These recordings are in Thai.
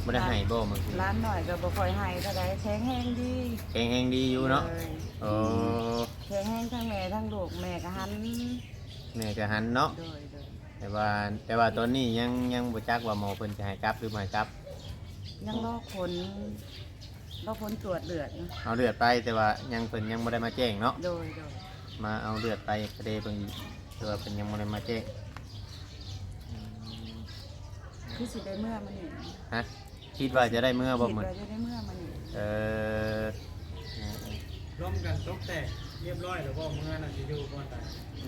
บ่ได้ให้บ่มื้อร้านหน่อยก็บ่ค่อยให้เท่าใดแข็งแรงดีแข็งแรงดีอยู่เนาะโอ้แข็งแรงทั้งแม่ทั้งลูกแม่ก็หันแม่ก็หันเนาะโดยแต่ว่าตอนนี้ยังบ่จักว่าหมอเพิ่นจะให้กลับหรือบ่ให้กลับยังรอผลตรวจเลือดอยู่เอาเลือดไปแต่ว่ายังเพิ่นยังบ่ได้มาแจ้งเนาะโดยมาเอาเลือดไปกระเดเพิ่นแต่ว่าเพิ่นยังบ่ได้มาแจ้งคือสิได้เมื่อมันนี่ฮะคิดว่าจะได้เมื่อบ่มื้อคิดว่าจะได้เมื่อมันนี่เออร่วมกันตกแต่เรียบร้อยแล้วบ่เมื่อน่ะสิอยู่ก่อนตาย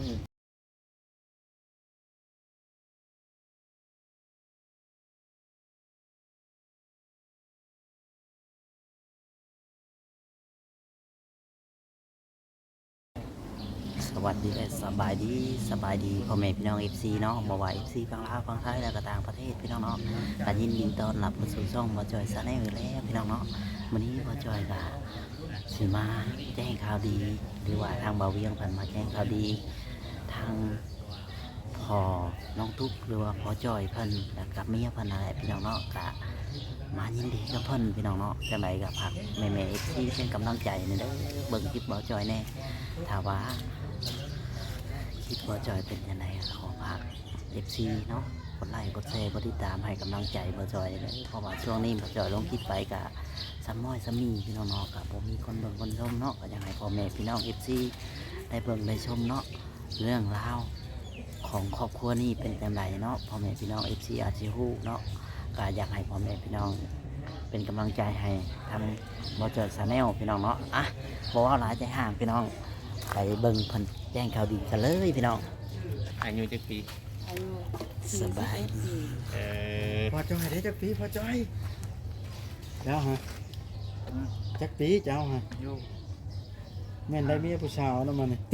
สวัสดีสบายดีพ่อแม่พี่น้อง FC เนาะบ่ว่า FC ฝั่งลาวฝั่งไทยแล้วก็ต่างประเทศพี่น้องเนาะก็ยินดีต้อนรับเข้าสู่ช่องบ่จอยซาแนลแล้วพี่น้องเนาะวันนี้บ่จอยก็สิมาแจ้งข่าวดีหรือว่าทางบ่าวเวียงเพิ่นมาแจ้งข่าวดีทางพ่อน้องตุ๊กหรือว่าพ่อจอยเพิ่นแล้วกับเมียเพิ่นนั่นแหละพี่น้องเนาะก็มายินดีกับเพิ่นพี่น้องเนาะจังไดก็ฝากแม่ๆ FC เป็นกำลังใจนี่เด้อเบิ่งคลิปบ่จอยแน่ถ้าว่าคิดว่าจอยเป็นยังไงขอฝาก FC เนาะกดไลค์กดแชร์กดติดตามให้กำลังใจบ่จอยเลยเพราะว่าช่วงนี้บ่จอยลงคลิปไปกะซ้ำม้อยซ้ำมีพี่น้องเนาะกะบ่มีคนเบิ่งคนชมเนาะก็อยากให้พ่อแม่พี่น้อง FC ได้เบิ่งได้ชมเนาะเรื่องราวของครอบครัวนี้เป็นจังไดเนาะพ่อแม่พี่น้อง FC อาจสิฮู้เนาะก็อยากให้พ่อแม่พี่น้องเป็นกำลังใจให้ทางบ่จอยชาแนลพี่น้องเนาะอ่ะบ่ว่าหลายใจห่างพี่น้องไปเบิ่งเพิ่นแจ้งข่าวดีกันเลยพี่น้องอายุจักปีอายุสบายเออพอจอยได้จักปีพอจอยเจ้าฮะจักปีเจ้าฮะอยู่แม่นได้เมียผู้สาวนำมานี่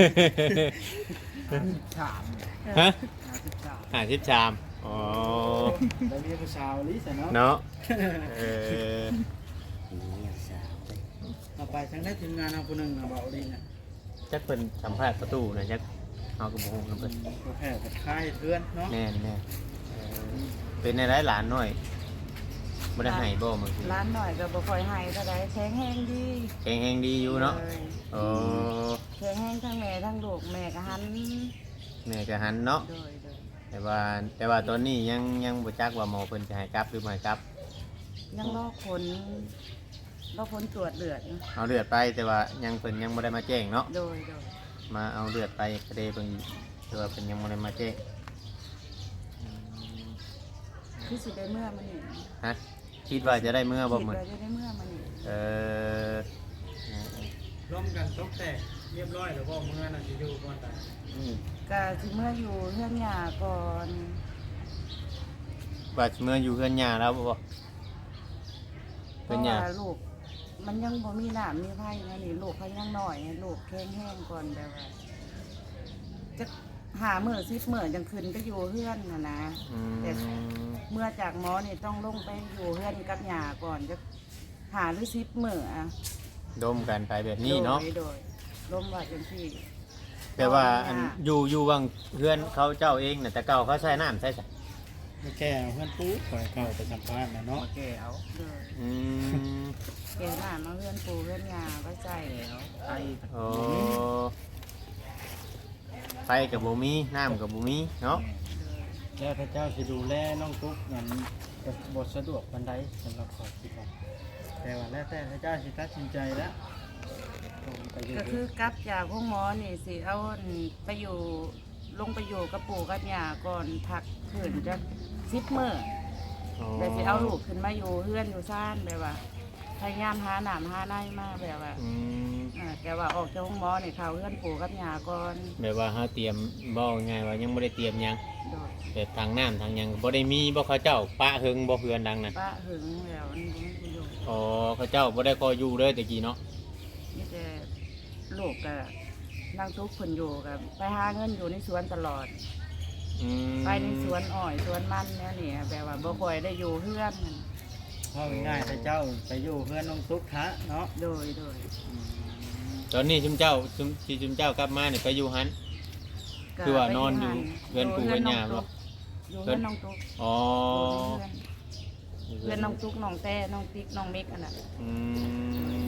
ฮะ53อ๋อได้เมียผู้สาวลิซะเนาะเนาะเออเนี่ยสาวเลยเอาไปทางได้ทีมงานเอาผู้หนึงน่ะเบาดีน่ะจักเพิ่นสัมภาษณ์ประตูนะจักเฮาก็บ่ฮู้นำเพิ่นบ่แพ้กับค่ายเพื่อนเนาะแน่เป็นในหลายหลานหน่อยบ่ได้ให้บ่มื้อกี้ร้านหน่อยก็บ่ค่อยให้เท่าใดแข็งแรงดีแข็งแรงดีอยู่เนาะโอ้แข็งแรงทั้งแม่ทั้งลูกแม่ก็หันแม่ก็หันเนาะโดยแต่ว่าตอนนี้ยังบ่จักว่าหมอเพิ่นจะให้กลับหรือบ่ให้กลับยังรอผลตรวจเลือดอยู่เอาเลือดไปแต่ว่ายังเพิ่นยังบ่ได้มาแจ้งเนาะโดยมาเอาเลือดไปกระเดเพิ่นแต่ว่าเพิ่นยังบ่ได้มาแจ้งคือสิได้เมื่อมันนี่ฮะคิดว่าจะได้เมื่อบ่มื้อคิดว่าจะได้เมื่อมันนี่เออร่วมกันตกแต่เรียบร้อยแล้วบ่เมื่อน่ะสิอยู่ก่อนตายก็สิเมื่ออยู่เฮือนหญ้าก่อนว่าสิเมื่ออยู่เฮือนย่าแล้วบ่เพเฮือราะนย่าว่าลูกมันยังบ่มีน้ำมีไผนะนี่ลูกเขายังน้อยลูกแข็งแรงก่อนแบบว่าจะหามื้อ10มื้อจังขึ้นไปอยู่เฮือนน่ะนะ แต่เมื่อจากหมอนี่ต้องลงไปอยู่เฮือนกับหญ้าก่อนจะหาหรือ10มื้ออ่ะดมกันไปแบบนี้เนาะโดยลมว่าจังซี่แต่ว่าอันอยู่บางเฮือนเขาเจ้าเองน่ะแต่เก่าเขาใช้น้ำใช้ซะไม่แก่เพื่อนปุ๊บปล่อยเข้าไปสัมภาษณ์นะเนาะแก่เอาโดยอืมแกน่ะมาเฮือนปู่เฮือนหญ้าไว้ใจแล้วไอ้โอ้ไฟกับบ่มีน้ำกับบ่มีเนาะแล้วพระเจ้าสิดูแลน้องตุ๊กนั้นบทสะดวกปานใดสำหรับขอคิดว่าแต่ว่าแล้วแต่พระเจ้าสิตัดสินใจแล้วไปอยู่ก็คือกลับจากห้องหมอนี่สิเอาไปอยู่ลงไปอยู่กับปู่กับย่าก่อนพักคืนจะ10 มื้อแต่สิเอาลูกขึ้นมาอยู่เฮือนอยู่ซ่านแบบว่าพยายามหาน้ำหาในมาแบบว่าแต่ว่าออกจากห้องหมอนี่เข้าเฮือนปู่กับย่าก่อนแบบว่าเฮาเตรียมบ่ง่ายว่ายังบ่ได้เตรียมหยังโดยแบบทางน้ำทางหยังบ่ได้มีบ่เขาเจ้าปะหึงบ่เฮือนดังนั้นป้าหึงแล้วมันบ่มีอยู่อ๋อเขาเจ้าบ่ได้คอยอยู่เลยตะกี้เนาะนี่แต่ลูกก็นั่งทุกข์เพิ่นอยู่กับไปหาเงินอยู่ในสวนตลอด ไปในสวนอ้อยสวนมันเนี่ยนี่แบบว่าบ่ค่อยได้อยู่เฮือนพ่อง่ายๆพระเจ้าไปอยู่เพื่อนน้องตุ๊กทะเนาะโดยตอนนี้ชุมเจ้ากลับมานี่ไปอยู่หัน คือว่านอนอยู่เฮือนปู่เฮือนย่าบ่อยู่เฮือนน้องตุ๊กอ๋ออยู่ในเฮือนเพื่อนน้องตุ๊กน้องแต่น้องติ๊กน้องเมกอันนั้นอืม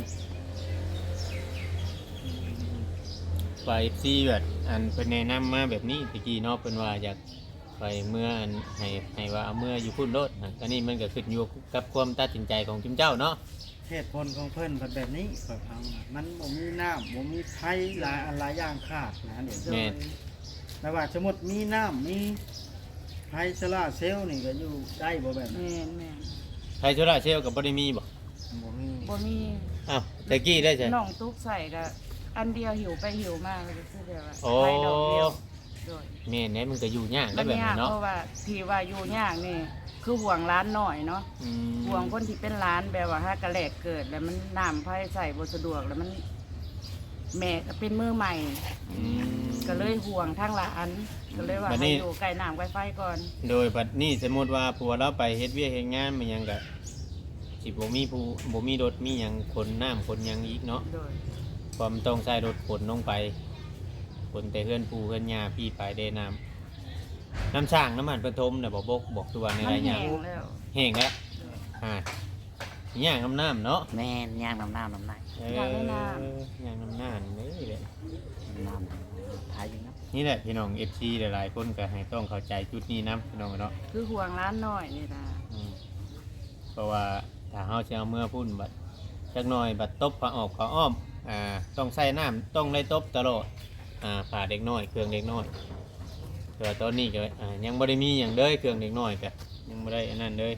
ฝ่ายซีแบบอันเพิ่นแนะนำมาแบบนี้ตะกี้เนาะเพิ่นว่าอยากไปเมื่ออันให้ว่าเอาเมื่ออยู่พุ่นโลดตอนนี้มันก็ขึ้นอยู่กับความตัดสินใจของจุมเจ้าเนาะเหตุผลของเพิ่นเป็นแบบนี้ข่อยฟังว่ามันบ่มีน้ำบ่มีไฟหลายอันหลายอย่างขาดนะเดี๋ยวแม่นแต่ว่าสมมุติมีน้ำมีไฟโซล่าร์เซลล์นี่ก็อยู่ได้บ่แบบนั้นแม่นไทยโซล่าร์เซลล์ก็บ่ได้มีบ่บ่มีบ่มีอ้าวตะกี้ได้ใช่น้องตุ๊กใส่ก็อันเดียวหิวไปหิวมาก็คือแบบว่าโอ้ไฟดอกเดียวโดยแม่นแหน่มันก็อยู่ยากมัได้นแบบยานั้กนเนาะเพราะว่าที่ว่าอยู่ยากนี่คือห่วงร้านหน่อยเนาะอืมห่วงคนที่เป็นร้านแบบว่าถ้ากระแหลกเกิดแล้วมันน้ำไฟใส่บ่สะดวกแล้วมันแม่ก็เป็นมือใหม่อืมก็เลยห่วงทางร้านก็เลยว่าบัดนี้ให้อยู่ใกล้น้ำใกล้ไฟก่อนโดยบัดนี้สมมุติว่าผัวเราไปเฮ็ดเวียกเฮ็ดงานมันหยังก็สิบ่มีผู้บ่มีรถมีหยังขนน้ำขนหยังอีกเนาะโดยความนต้องใช้รถขนลงไปขนแต่เฮือนปูเฮือนยาพี่ไปเดน้ำน้ำช่างน้ำมันปฐมน่ะบอกบอกตัวในมันไรแห้ยังงแล้วแห้งแล้วย่างน้ำเนาะแม่นย่างน้ำน้ำในย่างน้ำนี่แหละน้ำทายอยู่นะนี่แหละพี่น้อง FC หลายๆคนก็ให้ต้องเข้าใจจุดนี้นะพี่น้องเนาะคือห่วงร้านหน่อยนี่นะอืมเพราะว่าถ้าเฮาจะเอาเมื่อพุ่นบัดจักหน่อยบัดตบผ้าออกผ้าอ้อมต้องใส่น้ำต้องได้ตบตลอดผ่าเด็กน้อยเครื่องเด็กน้อยแต่ว่าตอนนี้ก็ยังบ่ได้มีอย่างเด้อเครื่องเด็กน้อยก็ยังบ่ได้อันนั้นเลย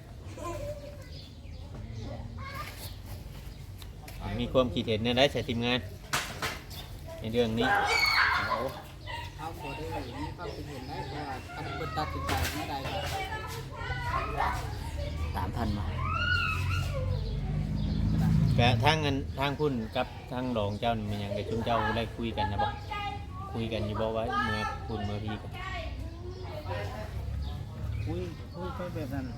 มีความคิดเห็นในได้ใส่ทีมงานในเรื่องนี้เขาบ่ได้มีความคิดเห็นได้เพราะว่าคันเพิ่นตัดสินใจไม่ได้ก็ 3,000 มาแต่ทางเงินทางพุ่นกับทางรองเจ้านี่มันยังกับชุมเจ้าได้คุยกันนะบ่คุยกันอยู่บ่ไว้เมื่อพุ่นเมื่อพี่กันคุยไปแบบนั้น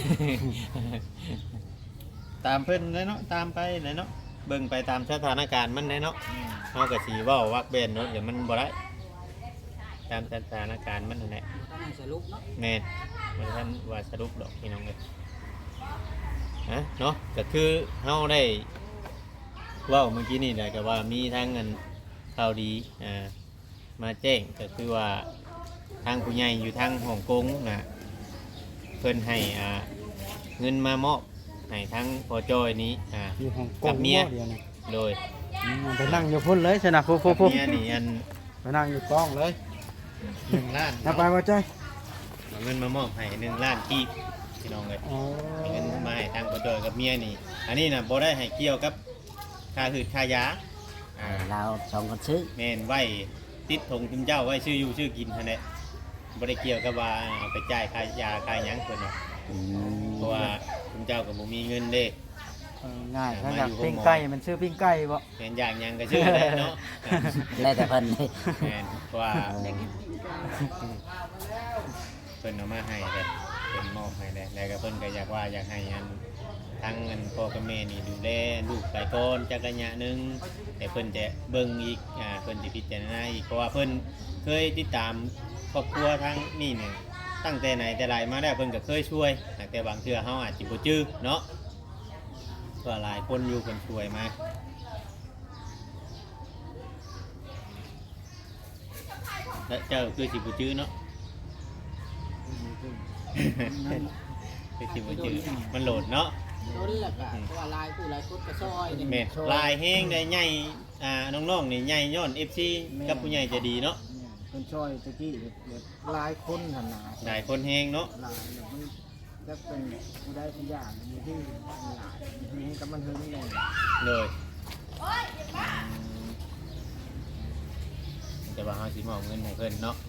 ตามเพิ่นเลยเนาะตามไปเลยเนาะเบิ่งไปตามสถานการณ์มันเลยเนาะเฮาก็สิเว้าวักเบนเนาะเดี๋ยวมันบ่ได้ตามสถานการณ์มันนั่นแหละต้องให้สรุปเนาะแม่นบ่ทันว่าสรุปดอกพี่น้องเอ้ยเนาะก็คือเฮาได้เว้าเมื่อกี้นี่แหละก็ว่ามีทางเงินข่าวดีมาแจ้งก็คือว่าทางผู้ใหญ่อยู่ทางฮ่องกงนะเพิ่นให้เงินมามอบให้ทั้งพอจอยนี้อยู่ห้องกกังบเมียเดียวนะโดยไปนั่งอยู่พุ่นเลยชนะฟูกับฟูเมียนี่อันไปนั่งอยู่กล้องเลย 1 ล้านนับไปว่าจ้อยเอาเงินมามอบให้1 ล้านกีบพี่น้องเลยอ๋อเอาเงินมาให้ทางพอจอยกับเมียนี่อันนี้นะบ่ได้ให้เกี่ยวกับค่าหืดค่ายาเราสองคนซื้อแม่นไว้ติดธงจุมเจ้าไว้ชื่ออยู่ชื่อกินท่านแหละบ่ได้เกี่ยวกับว่าเอาไปจ่ายค่ายาค่าหยังเพิ่นเนาะอืมเพราะว่าจุมเจ้าก็บ่มีเงินเด้ง่ายถ้าอยากปิ้งไก่มันซื้อปิ้งไก่บ่แม่นอย่างหยังก็ชื่อได้เนาะแล้วแต่เพิ่นเลยแม่นเพราะว่าเพิ่นเอามาให้เลยเพิ่นมอบให้เลยแล้วก็เพิ่นก็อยากว่าอยากให้อันทั้งเงินพ่อกับแม่นี่ดูแลลูกไปก่อนจักระยะหนึงแต่เพิ่นจะเบิ่งอีกเพิ่นสิพิจารณาอีกเพราะว่าเพิ่นเคยติดตามครอบครัวทั้งนี่เนี่ยตั้งแต่ไหนแต่ไรมาแล้วเพิ่นก็เคยช่วยแต่บางเทื่อเฮาอาจสิบ่จื้อเนาะก็หลายคนอยู่เพิ่นช่วยมาและเจ้าคือสิบ่จื้อเนาะ คือสิบ่จื้อมันโหลดเนาะโดนแหละก็เพราะว่าลายผู้หลายคนก็ซอยนี่แม่นลายแห้งได้ใหญ่น้องๆนี่ใหญ่ย้อน FC กับผู้ใหญ่ใจะดีเนาะเป็นช่อยตะกี้แบบหลายคนขนาดหลายคนแห้งเนาะหลายแบบมันจะเป็นผู้ได้ทุกอย่างมีที่หลายมีให้กับมันเฮิงแน่เลยแต่ว่าเฮาสิมอบเงินให้เพิ่นเนาะ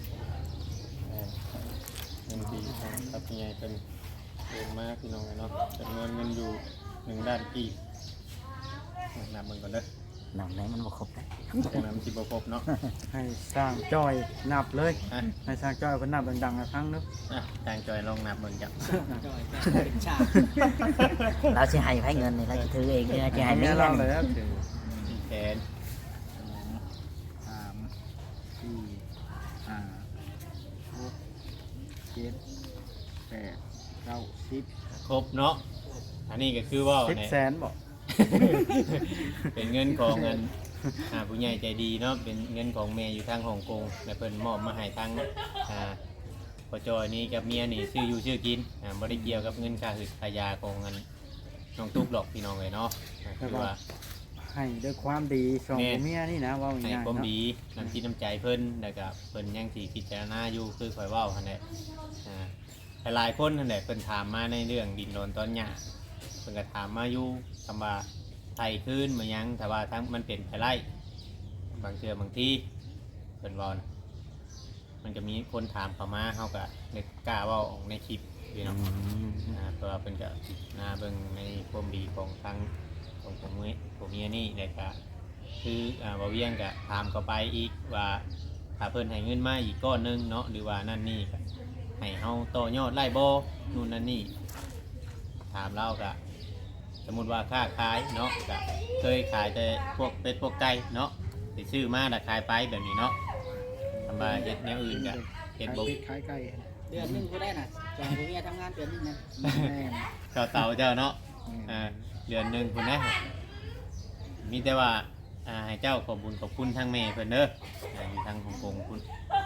เงินที่ทางกับผู้ใหญ่เพิ่นเดินมาพี่น้องเนาะจำนวนเงินอยู่1 ด้านกี่นับมันก่อนเด้อน้ำไหนมันบ่ครบได้จังนั้นมันสิบ่ครบเนาะให้สร้างจ้อยนับเลยอ่ะให้สร้างจ้อยเพิ่นนับดังๆอีกครั้งนึงทางจอยลองนับเบิ่งจ้ะจอยก็เป็นฉากเราสิให้ไผเงินนี่เราจะถือเองหรือจะให้เมียเรานี่เลยครับถึงแขนสามสี่ห้าหกเจ็ดแปดเก้าสิบคครบเนาะอันนี้ก็คือว่า 10 แสนบ่เป็นเงินของเงินผู้ใหญ่ใจดีเนาะเป็นเงินของแม่อยู่ทางฮ่องกงและเพิ่นมอบมาให้ทางพ่อจอยนี่กับเมียนี่ซื้ออยู่ซื้อกินบ่ได้เกี่ยวกับเงินค่าหืดค่ายาของเงินน้องตุ๊กหรอกพี่น้องเลยเนาะคือว่าให้ด้วยความดีสองผัวเมียนี่นะเว่าให้ง่ายๆความเนาะดีน้ำจิตน้ำใจเพิ่นแล้วก็เพิ่นยังสิพิจารณาอยู่คือข่อยเว้าหั่นแหละหลายๆคนนั่นแหละเพิ่นถามมาในเรื่องดินโดนตอนหญ้าเพิ่นก็ถามมาอยู่คำว่าไทยคืนมายังแต่ว่าทั้งมันเป็นไปไล่บางเทื่อบางที่เพิ่นเว้านะมันก็มีคนถามเข้ามาเฮาก็นึกกล้าเว้าออกในคลิปพี่น้องเพราะว่าเพิ่นก็หน้าเบิ่งในความดีของทางของผมเมียนี่แล้วก็คือบ่เวียงก็ถามเข้าไปอีกว่าถ้าเพิ่นให้เงินมาอีกก้อนหนึงเนาะหรือว่านั่นนี่ก็ให้เฮาต่อยอดไล่บ่นู่นนั่นนี่ถามเราก็สมมุติว่าค้าขายเนาะก็เคยขายแต่พวกเป็ดพวกไก่เนาะสิซื้อมาแล้วขายไปแบบนี้เนาะทำมาเฮ็ดแนวอื่นก็เฮ็ดบ่ขายไก่เดือนหนึงกูได้น่ะจองกูเมียทำงานเดือนหนึงนะแม่นเจ้าเต่าเจ้าเนาะเดือนหนึงคุณนะมีแต่ว่าให้เจ้าขอบบุญขอบคุณทางแม่เพิ่นเด้ออยู่ทางฮ่องกงคุณ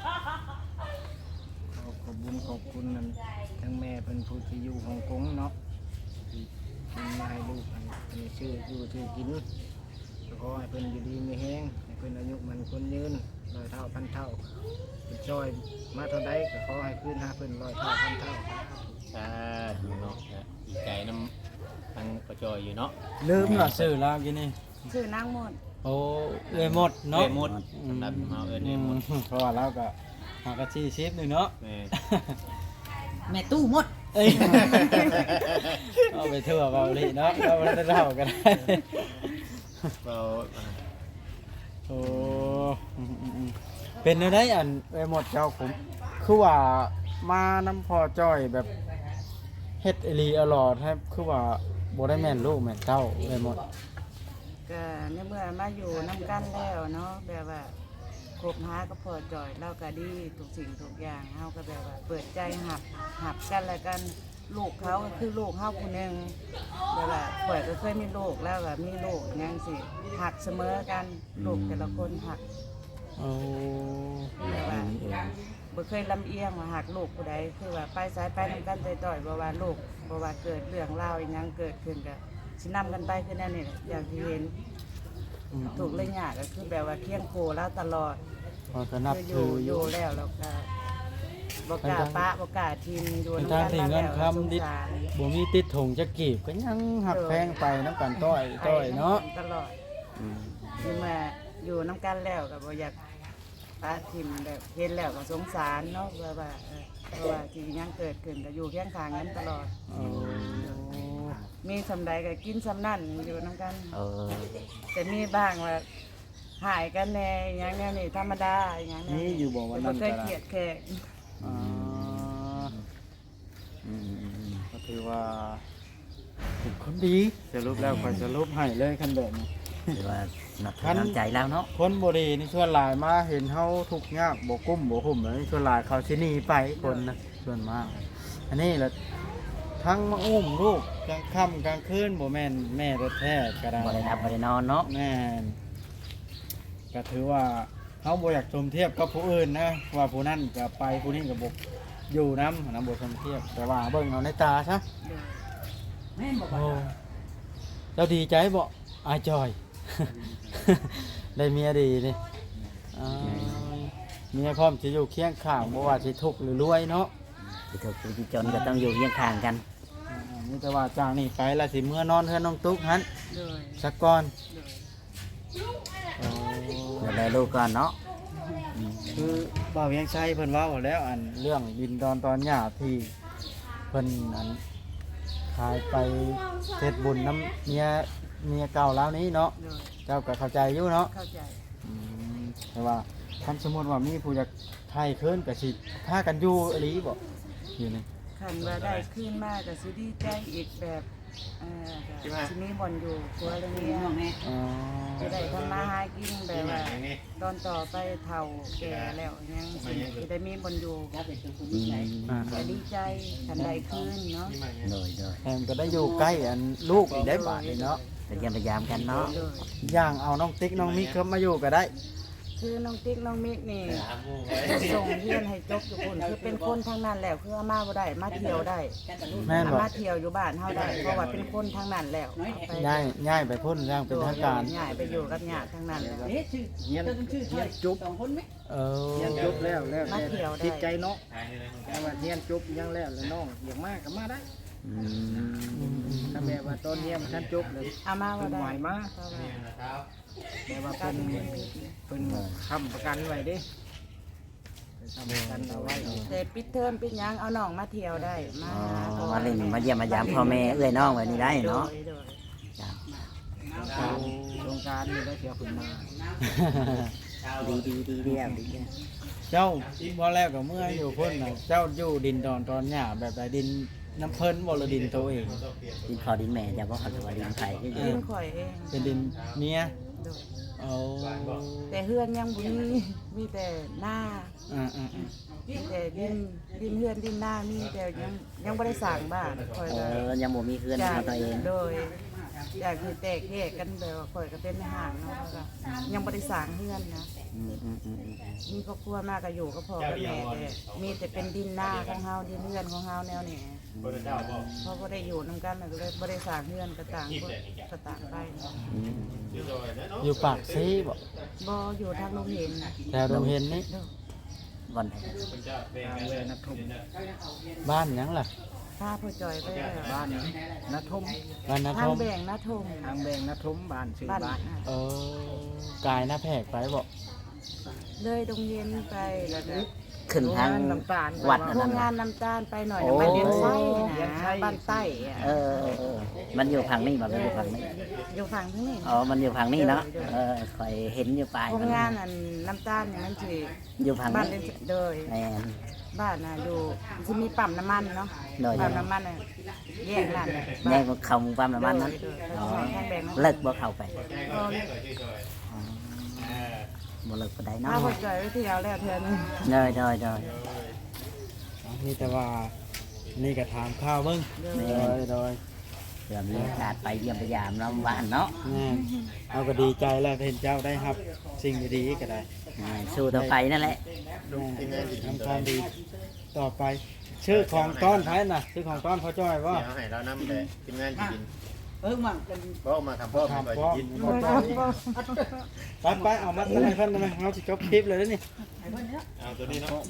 ขอบคุญขอบคุณนั่นทั้งแม่เพิ่นผู้ที่อยู่ฮ่องกงเนาะที่มาให้ลูกให้ชื่ออยู่ชื่อกินขอให้เพิ่นอยู่ดีมีแฮงให้เพิ่นอายุมันคนยืน100 เท่าพันเท่าเป็นจอยมาเท่าใดก็ขอให้คืนหาเพิ่น100 เท่าพันเท่าสาธุเนาะดีใจน้ำทางประจอยอยู่เนาะลืมล่ะซื้อลาวกินนี่ชื่อนางหมดโอ้เอ้ยหมดเนาะเอ้ยหมดสำหรับเราเอิ้นเอ้ยหมดเพราะว่าเราก็หากะชี้ชิปนึงเนาะแม่แม่ตู้หมดเอ้ยเอาไปทั่วเบาหลีเนาะเราบ่ได้เล่ากันได้เราโอ้เป็นได้อันเอ้ยหมดเจ้าผมคือว่ามาน้ำพอจ้อยแบบเฮ็ดอีหลีอร่อยแทบคือว่าบ่ได้แม่นลูกแม่นเต้าเอ้ยหมดก็ในเมื่อมาอยู่น้ำกันแล้วเนาะแบบว่าคบหาก็พอจ่อยเราก็ดีทุกสิ่งทุกอย่างเฮาก็แบบว่าเปิดใจหับกันแล้วกันลูกเขาก็คือลูกเฮาผู้หนึงแบบว่าข่อยก็เคยมีลูกแล้วแบบมีลูกอยังสิหักเสมอกันลูกแต่ละคนหักโอ้แบบว่าบ่เคยลำเอียงว่าหักลูกผู้ใดคือว่าไปสายไปนำกันต่อยๆบ่ว่าลูกบ่ว่าเกิดเรื่องราวอีหยังเกิดขึ้นก็สินำกันไปคือแน่นี่แหละอย่างที่เห็น ถูกเลยยากก็คือแบบว่าเคียงโคแล้วตลอดพอก็นับคือถือออยู่ ยู่แล้วเราก็บอกกล้าปะบอกกล้าทีมอยู่เป็นน้ำทางกันที่มาเงิแล้นวคำสงดิสารบ่มีติดถงจะกีบก็ยังหักแพงไปน้ำกันต้อยเนาะตลอดคือมาอยู่น้ำกันแล้วก็บ่อยากปะทีมแบบเห็นแล้วก็สงสารเนาะเพราะว่าที่ยังเกิดขึ้นก็อยู่เคียงข้างกันตลอดโอ้มีสำใดก็กินสำนั่นอยู่น้ำกันเออแต่มีบ้างว่าหายกันแน่อย่างแนี้นี่ธรรมดาอย่างนี้นี่อยู่บ่วันนั้นเคก็ยได้เกลียดแขกอ่าอืมก็ถือว่าเป็นคนดีสรุปแล้วคอยสรุปให้เลยคันแบบนี้หรือว่านับถือน้ำใจแล้วเนาะคนบ่ดีนี่ส่วนหลายมาเห็นเฮาทุกข์ยากบ่กุ้มบ่หุ่มแล้วนี่ส่วนหลายเขาสิหนีไปคนนะส่วนมาก อันนี้แหละทั้งมาอุ้มลูกกลางค่ำกลางคืนบ่แม่นแม่แท้ๆก็ได้บ่ได้รับบ่ได้นอนเนาะแม่นก็ถือว่าเฮาบ่อยากชมเทียบกับผู้อื่นนะว่าผู้นั้นก็ไปผู้นี้ก็บ่อยู่นำบ่ชมเทียบแต่ว่าเบิ่งเอาในตาซะแม่นบอกโอ้เจ้าดีใจบ่อายจอย ได้เมียดีนี่อ่าเมียพร้อมจะอยู่เคียงข้างบ่ว่าสิทุกข์หรือรวยเนาะที่ถูกที่จนก็ต้องอยู่เคียงข้างกันมีแต่ว่าจากนี้ไปแล้วสิเมื่อนอนเฮือนน้องตุ๊กหันเลยสักก่อนเลยโอ้ดูแลลูกก่อนเนาะคือบ่าวเวียงชัยเพิ่นเว้าแล้วอันเรื่องดินดอนตอนหญ้าที่เพิ่นอันขายไปเฮ็ดบุญน้ำเมียเก่าแล้วนี้เนาะเลยเจ้าก็เข้าใจอยู่เนาะเข้าใจแต่ว่าคันสมมุติว่ามีผู้อยากไทยคืนก็สิพากันอยู่อีหลีบ่อยู่นี่คันว่าได้ขึ้นมากก็สิดีใจอีกแบบก็สิมีบ่อนอยู่ครัวเรือนเนี่ยอ๋อจะได้ทำมาหากินแบบว่าตอนต่อไปเฒ่าแก่แล้วยังสิได้มีบ่อนอยู่อืมก็ดีใจคันได้ขึ้นเนาะโดยแถมก็ได้อยู่ใกล้อันลูกอีกได้บาดเลยเนาะแต่ยังพยายามกันเนาะโดยย่างเอาน้องติ๊กน้องมิกเข้ามาอยู่ก็ได้คือน้องติ๊กน้องมิกนี่ส่งเรียนให้จบอยู่พุ่นคือเป็นคนทางนั้นแล้วคือมาบ่ได้มาเที่ยวได้แม่นบอกมาเที่ยวอยู่บ้านเฮาได้เพราะว่าเป็นคนทางนั้นแล้วไปย้ายไปพ่นย่างเป็นทางการย้ายไปอยู่กับญาติทางนั้นแล้วเฮียนจุบเฮียนจุบแล้วมาเที่ยวได้ติดใจเนาะแต่ว่าเฮียนจุบยังแล้วน้องอยากมาก็มาได้อืมถ้าแม่ว่าตอนเฮียนท่านจุบเลยเอามาบ่ได้ไหวมาเพราะว่าแต่ว่าการเพิ่นเงินผิดเพิ่นค้ำประกันไว้เด้ค้ำประกันเอาไว้แต่ปิดเทอมปิดหยังเอาน้องมาเที่ยวได้มาอ๋อหาเขามาเล่นมาเยี่ยมมายามพ่อแม่เอื้อยน้องแบบนี้ได้เนาะโดยจ้ะโครงการนี่ได้เที่ยวขึ้นมาดีเดียวดีเดียวเจ้าพอแล้วก็เมื่ออยู่พ่นน่ะเจ้าอยู่ดินตอนหญ้าแบบใดดินน้ำเพิ่นบ่หรือดินตัวเองดินพอดินแม่จะบ่เขาจะว่าดินไผ่ก็อกิยู่นข่อยเองเป็นดินเมียโดยเอาแต่เฮือนยังบ่มีแต่หน้าอ่ามีแต่ดินเฮือนดินหน้ามีแต่ยังบ่ได้สร้างบ้านข่อยเอก็อยังบ่มีเพื่อนของตัวเองโดยอยากคือแตกแยกกันแบบว่าข่อยก็เป็นในห้างเนาะแล้วก็ยังบ่ได้สร้างเฮือนนะอืมมีครอบครัวมากก็อยู่กับพ่อกับแม่แต่มีแต่เป็นดินหน้าของเฮาดินเฮือนของเฮาแนวนี้เพราะบ่ได้อยู่นํกันก็เลยบ่ได้สร้างเฮือนก็ต่างคนก็ต่างไปเนาะอืมอยู่ปากซีบ่บ่อยู่ทางโรงเรียนแต่โรงเห็นนี่เด้อวันทางเลยนัทมบ้านหยังล่ะพาพ่อจอยไปแล้วบ้านนัทมบ้านนัทางทมแบ่งนะทมทางแบงนัทมบ้านชื่อบ้านบ้านน่ะกายหน้าแพกไปบ่เลยโรงเรียนไปแล้วก็ขึ้นทางน้ำตาลวัดโรนั่นงงาน่ะนน้ำตาลไปหน่อยโอ้มันเลี้ยงไส้เลี้ยงไส้นะบ้านใต้อะเออมันอยู่ฝั่งนี้บ่มันอยู่ฝั่งนี้อยู่ฝั่งนี้อ๋อมันอยู่ฝั่งนี้เนาะคอยเห็นอยู่ปลายโรงงานอันน้ำตาลนี่มันสิอยู่ฝั่งบ้านนี้เลี้ยงโดยแม่นบ้านน่ะอยู่สิมีปั๊มน้ำมันเนาะโดยปั๊มน้ำมันน่ะแยกนั่นแยกคำความประมาณนั้นโดยอ๋อทางแบ่งนะเลิกบ่เข้าไปก็บ่เลิกบ่ได้พาเนาะพ่อจอยไปเที่ยวแล้วเทื่อนึงโดยนี่แต่ว่านี่ก็ถามข้าวเบิ่งโดยเพื่อมีโอกาสไปเยี่ยมพยามน้ำหวานเนาะแม่เอาก็ดีใจแล้วเห็นเจ้าได้ครับ สิ่งดีๆก็ได้สู้ต่อไปนั่นแหละทำความดีต่อไป ชื่อของต้อนไผ่น่ะชื่อของต้อนพ่อจ้อยว่าเดี๋ยวให้เรานำเลยทีมงานจะกินมันเป็นเพราะมาทำพ่อถามมาพ่อกินไปเอามาให้เพิ่นได้ไหมเราจะจบคลิปเลยนี่เอาตัวนี้เนาะ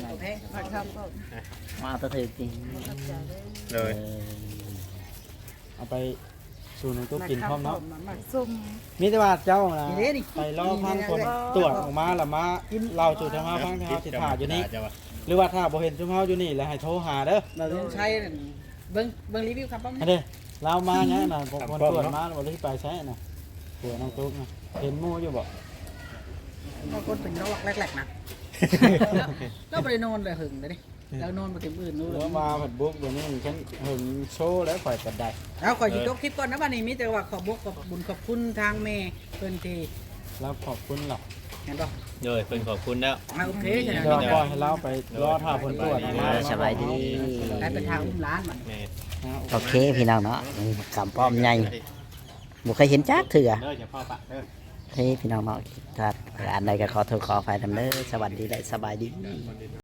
มาเอาตัวถือกินเลยเอาไปสู่ในตู้กินพร้อมเนาะมักซุ่มมีแต่ว่าเจ้านะไปรอพังคนตรวจออกมาแล้วมาเราสู่ทางมาพังที่เขาสิถ่ายอยู่นี่หรือว่าถ้าบ่เห็นชุมเฮาอยู่นี่แล้วให้โทรหาเด้อเราต้องใช้เบิ่งรีวิวครับป้าอันนี้เรามาเนี่ยนะผมคนตรวจมาแล้วบ่ได้ไปใช้น่ะตัวน้องตุ๊กนะเห็นหมู่อยู่บ่บางคนเป็นโรคแรกๆนะเราไปนอนเลยหึงเลยดิเรานอนมาเต็มอื่นนู่นแล้วมาผัดบุกเดี๋ยวนี้ฉันหึงโชว์แล้วข่อยก็ได้แล้วขอหยุดยกคลิปก่อนนะวันนี้มีแต่ว่าขอบุขอบบุญขอบคุณทางเมย์เพิ่นที่แล้วขอบคุณหรอกเห็นป่ะเลยเป็นขอบคุณแล้วโอเคใช่ไหมเดี๋ยวปล่อยให้เราไปรอท่าผลตรวจออกมาสบายดีการเป็นทางอุ้มร้านมันแม่โอเคพี่น้องเนาะนี่กำป้อมใหญ่บ่เคยเห็นจักเถื่อเด้ออย่าพ่อปะเด้อเฮ้ยพี่น้องเนาะถ้าอันใดก็ขอโทษขออภัยนำเด้อสวัสดีและสบายดี